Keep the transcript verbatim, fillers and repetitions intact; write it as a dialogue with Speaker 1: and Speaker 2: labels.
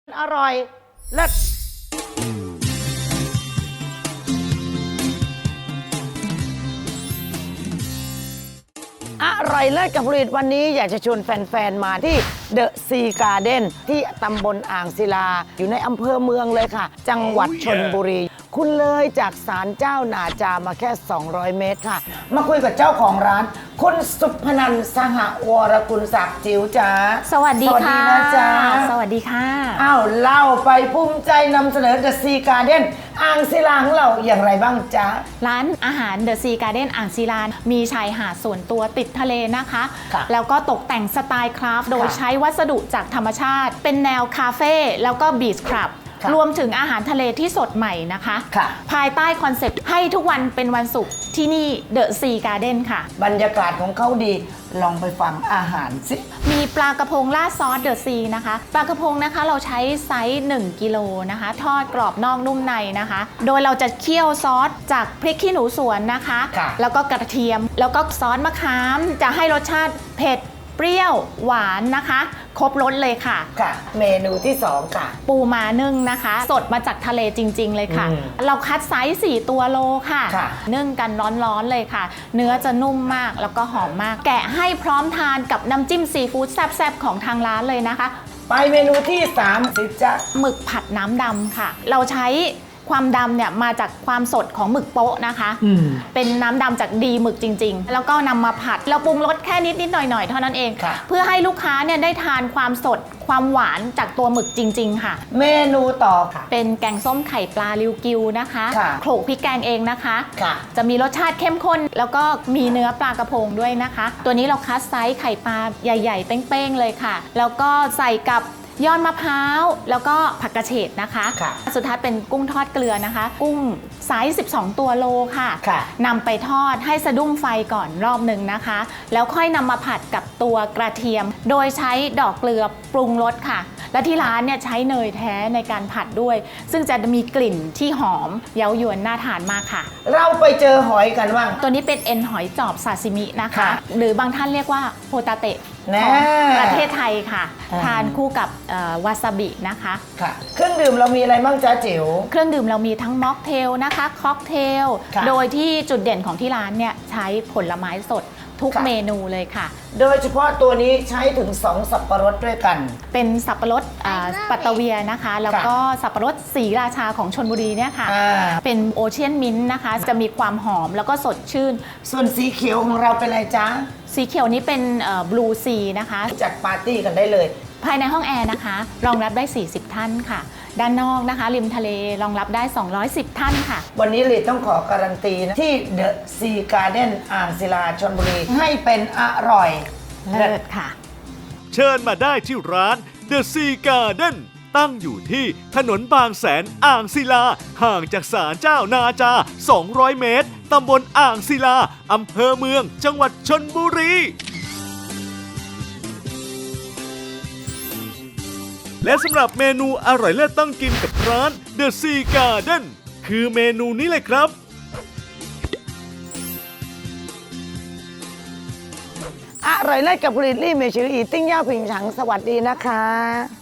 Speaker 1: อร่อยเลิศอร่อยเลิศกับผลิตวันนี้อยากจะชวนแฟนๆมาที่เดอะซีการ์เด้นที่ตำบลอ่างศิลาอยู่ในอำเภอเมืองเลยค่ะจังหวัดชลบุรี คุณเลยจากศาลเจ้านาจามาแค่สองร้อยเมตรค่ะมาคุยกับเจ้าของร้านคุณสุพนันท์สหวรกุลศักดิ์จิ๋วจ้า
Speaker 2: สวัสดีค่ะ
Speaker 1: สวัสดีนะจ๊ะ
Speaker 2: สวัสดีค่ะ
Speaker 1: อ้าวเล่าไปภูมิใจนำเสนอเดอะซีการ์เด้นอ่างศิลาของเราอย่างไรบ้างจ๊ะ
Speaker 2: ร้านอาหารเดอะซีการ์เด้นอ่างศิลามีชายหาดส่วนตัวติดทะเลนะคะแล้วก็ตกแต่งสไตล์คราฟต์โดยใช้วัสดุจากธรรมชาติเป็นแนวคาเฟ่แล้วก็บีชคลับรวมถึงอาหารทะเลที่สดใหม่นะคะภายใต้คอนเซปต์ให้ทุกวันเป็นวันศุกร์ที่นี่เดอะซีการ์เด้นค่ะ
Speaker 1: บรรยากาศของเขาดีลองไปฟังอาหารสิ
Speaker 2: มีปลากระพงราดซอสเดอะซีนะคะปลากระพงนะคะเราใช้ไซส์หนึ่งกิโลนะคะทอดกรอบนอกนุ่มในนะคะโดยเราจะเคี่ยวซอสจากพริกขี้หนูสวนนะคะแล้วก็กระเทียมแล้วก็ซอสมะขามจะให้รสชาติเผ็ดเปรี้ยวหวานนะคะครบรสเลยค่ะ
Speaker 1: ค่ะเมนูที่สองค่ะ
Speaker 2: ปูม้านึ่งนะคะสดมาจากทะเลจริงๆเลยค่ะเราคัดไซส์สี่ตัวโลค่ะนึ่งกันร้อนๆเลยค่ะเนื้อจะนุ่มมากแล้วก็หอมมากแกะให้พร้อมทานกับน้ำจิ้มซีฟู้ดแซ่บๆของทางร้านเลยนะคะ
Speaker 1: ไปเมนูที่สามสิจ๊ะ
Speaker 2: หมึกผัดน้ำดำค่ะเราใช้ความดำเนี่ยมาจากความสดของหมึกโป๊ะนะคะเป็นน้ำดำจากดีหมึกจริงๆแล้วก็นำมาผัดเราปรุงรสแค่นิดนิดหน่อยๆเท่านั้นเองเพื่อให้ลูกค้าเนี่ยได้ทานความสดความหวานจากตัวหมึกจริงๆค่ะ
Speaker 1: เมนูต่อค่ะ
Speaker 2: เป็นแกงส้มไข่ปลาริวกิวนะคะโขลกพริกแกงเองนะคะจะมีรสชาติเข้มข้นแล้วก็มีเนื้อปลากระพงด้วยนะคะตัวนี้เราคัดไซส์ไข่ปลาใหญ่ๆเป้งๆเลยค่ะแล้วก็ใส่กับยอดมะพร้าวแล้วก็ผักกระเฉดนะคะสุดท้ายเป็นกุ้งทอดเกลือนะคะกุ้งไซส์สิบสองตัวโลค่ะนำไปทอดให้สะดุ้งไฟก่อนรอบหนึ่งนะคะแล้วค่อยนำมาผัดกับตัวกระเทียมโดยใช้ดอกเกลือปรุงรสค่ะและที่ร้านเนี่ยใช้เนยแท้ในการผัดด้วยซึ่งจะมีกลิ่นที่หอมเย้ายวนน่าทานมากค่ะ
Speaker 1: เราไปเจอหอยกันบ้าง
Speaker 2: ตัวนี้เป็นเอ็นหอยจอบซาซิมินะคะหรือบางท่านเรียกว่าโฮตาเตะประเทศไทยค่ะทานคู่กับวาซาบินะคะ
Speaker 1: ค่ะเครื่องดื่มเรามีอะไรบ้างจ๊ะจิ๋ว
Speaker 2: เครื่องดื่มเรามีทั้งม็อกเทลนะคะค็อกเทลโดยที่จุดเด่นของที่ร้านเนี่ยใช้ผลไม้สดทุกเมนูเลยค่ะ
Speaker 1: โดยเฉพาะตัวนี้ใช้ถึงสองสับปะรดด้วยกัน
Speaker 2: เป็นสับปะรดปัตตะเวียนะคะแล้วก็สับปะรดศรีราชาของชลบุรีเนี่ยค่ะเป็นโอเชียนมิ้นท์นะคะจะมีความหอมแล้วก็สดชื่น
Speaker 1: ส่วนสีเขียวของเราเป็นอะไรจ๊ะ
Speaker 2: สีเขียวนี้เป็นบลูซีนะคะ
Speaker 1: จัดปาร์ตี้กันได้เลย
Speaker 2: ภายในห้องแอร์นะคะรองรับได้สี่สิบท่านค่ะด้านนอกนะคะริมทะเลรองรับได้สองร้อยสิบท่านค่ะ
Speaker 1: วันนี้ลีต้องขอการันตีนะที่เดอะซีการ์เด้นอ่างศิลาชลบุรีให้เป็นอร่อย
Speaker 2: เลิศค่ะ
Speaker 3: เชิญมาได้ที่ร้านเดอะซีการ์เด้นตั้งอยู่ที่ถนนบางแสนอ่างศิลาห่างจากศาลเจ้านาจาสองร้อยเมตรตำบลอ่างศิลาอำเภอเมืองจังหวัดชลบุรีและสำหรับเมนูอร่อยเลิศต้องกินกับร้าน The Sea Garden คือเมนูนี้เลยครับ
Speaker 1: อร่อยเลิศกับผลิตลี่เมชิลีติ้งย่าผิงฉังสวัสดีนะคะ